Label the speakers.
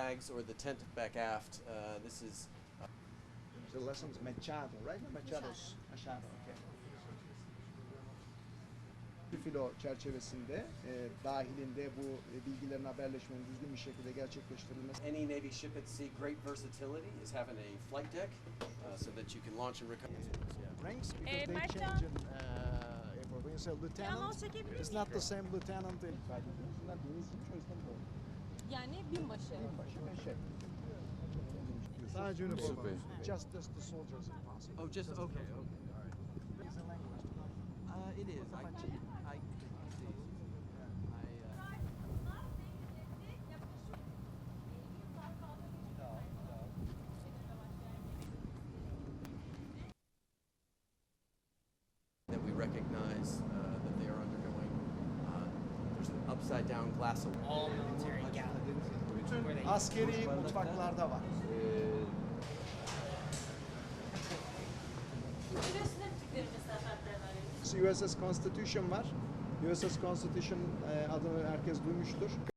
Speaker 1: flags or the tent back aft. This is
Speaker 2: The lessons Machado, right? Machado's. Machado, okay. Bir filo çerçevesinde dahilinde bu bilgilerin haberleşmenin düzgün bir şekilde gerçekleştirilmesi.
Speaker 1: any Navy ship at sea. Great versatility is having a flight deck so that you can launch and recover.
Speaker 2: Ranks because they
Speaker 3: Mertcan.
Speaker 2: change in airport. When you say lieutenant,
Speaker 3: çekebilir
Speaker 2: it's not the same lieutenant in. Bunlar denizciymiş, o yüzden bu.
Speaker 3: Yani binbaşı.
Speaker 2: Binbaşı ve şef. Sadece üniforma.
Speaker 4: Super.
Speaker 2: Just the soldiers in possible.
Speaker 1: Oh, just okay.
Speaker 2: It's a language.
Speaker 1: It is. I that we recognize that they are undergoing. There's an upside down glass of
Speaker 5: All military galleries. Where they
Speaker 2: Askeri mutfaklarda var. USS Constitution var. USS Constitution adını herkes duymuştur.